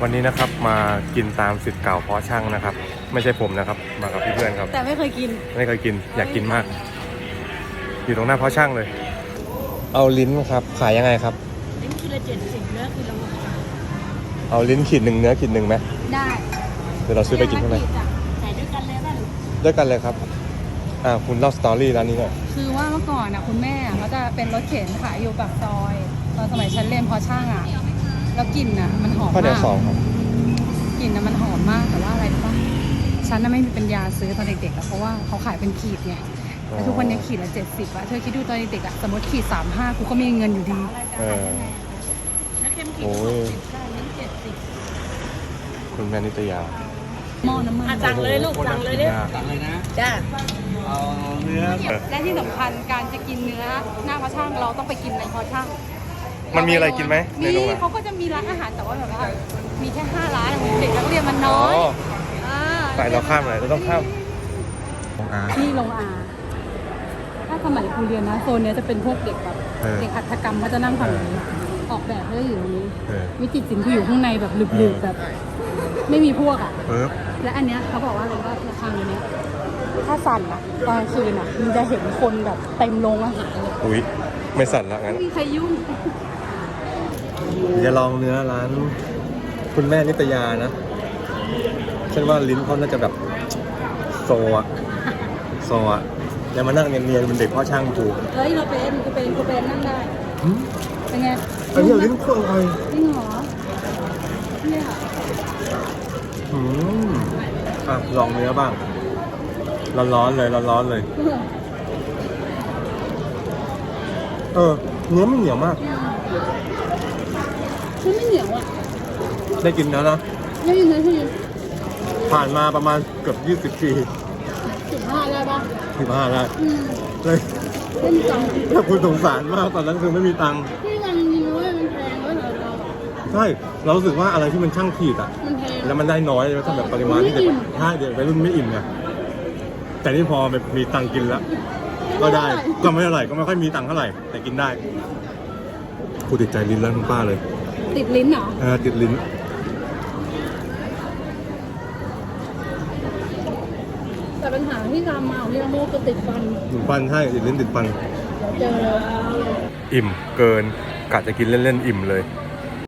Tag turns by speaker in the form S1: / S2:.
S1: วันนี้นะครับมากินตามสิทธิ์เก่าเพาะช่างนะครับไม่ใช่ผมนะครับมากับเพื่อนครับ
S2: แต่ไม่เคยกิน
S1: อยากกินมากอยู่ตรงหน้าเพาะช่างเลยเอาลิ้นครับขายยังไงครับ
S2: ลิ้นกิโล70เนื้อกิโล60
S1: เอาลิ้นขีดหนึ่งเนื้อขีดหนึ่งไหม
S2: ได้
S1: เดี๋ยวเราซื้อไปกินข้างใน
S2: ใส่ด้วยกันเลยป่ะ
S1: ด้วยกันเลยครับคุณเล่าสตอรี่ร้านนี้หน่อย
S2: คือว่าเมื่อก่อนคุณแม่เขาจะเป็นรถเข็นขายอยู่ปากซอยตอนสมัยฉันเรียนเพาะช่างแล้วกลิ่นมันหอมมาก
S1: ข้าวเหนียวสองครับ
S2: กลิ่นมันหอมมากแต่ว่าอะไรรู้ป่ะฉันไม่มีปัญญาซื้อตอนเด็กๆเพราะว่าเขาขายเป็นขีดไงแต่ทุกวันนี้ขีดละ70เธอคิดดูตอนเด็กสมมติขีด35กูก็มีเงินอยู่ดี
S1: โอ้ยคุณแม่นิตยา
S2: หม้อน้ำมันสั่งเลยลูกสั่งเลยดิสั่งเลยนะจ้า
S3: เอาเนื้อ
S2: และที่สำคัญการจะกินเนื้อหน้าเพาะช่างเราต้องไปกินในเพาะช่าง
S1: มันมีอะไรกินไหม
S2: มีเขาก็จะมีร้านอาหารแต่ว่าแบบว่ามีแค่5 ร้านเด็กนักเรียนมันน้อย
S1: ไปเราข้ามอะไรเราต้องข้าม
S2: ที่โรงอาถ้าสมัยครูเรียนนะโซนนี้จะเป็นพวกเด็กแบบเด็กหัตถกรรมเขาจะนั่งฝั่งนี้ออกแบบเขาจะอยู่ตรงนี้วิจิตรศิลป์คืออยู่ข้างในแบบลึกๆแบบไม่มีพวกและอันเนี้ยเขาบอกว่าอะไรว่าระฆังอันเนี้ยถ้าสั่นตอนกลางคืนมันจะเห็นคนแบบเต็มโรงอาหารเลย
S1: อุ้ยไม่สั่นละงั้น
S2: ไม่มีใครยุ่ง
S1: จะลองเนื้อร้านคุณแม่นิตยานะฉันว่าลิ้นเขาน่าจะแบบโซอย่ามานั่งเนียนๆเป็นเด็กพ่อช่างถูก
S2: เฮ้ยเราเป็นกูเป็นนั่งได้เป็นไง
S1: อันนี้ลิ้นเครื่องอะไร
S2: จริงเหรอเนี่ย
S1: ลองเนื้อบ้างร้อนๆเลยเนื้อไม่เหนียวมาก
S2: ไม่เหนียว
S1: ได้กินแล้วนะ
S2: ได้กินเลยพี่
S1: ผ่านมาประมาณเกือบ20 ปี
S2: 15ได้ปะ
S1: 15ได้เลย
S2: ไม่มีตังค์
S1: ถ้าคุณสงสารมากตอนนั้นคือไม่มีตังค์
S2: ไม่มีตังค์จริงๆเลยมันแพงด้วยเหรอ
S1: ใช่เรารู้สึกว่าอะไรที่มันช่างขีด
S2: มันแพง
S1: แล้วมันได้น้อยแล้วทำแบบปริมาณที่เด็กใช่เด็กไปรุ่นไม่อิ่มไงแต่นี่พอมีตังค์กินแล้วก็ได้ก็ไม่เท่าไหร่ก็ไม่ค่อยมีตังค์เท่าไหร่แต่กินได้กูติดใจลิ้นแล้วคุณป้าเลย
S2: ติดลิ้นเหรอ
S1: ติดลิ้น
S2: แต่ปัญหาที่ตามมาเนี่ยโมก็ติดฟัน
S1: ใช่ติดลิ้นติดฟัน
S2: เจอ
S1: อิ่มเกินกะจะกินเล่นๆอิ่มเลย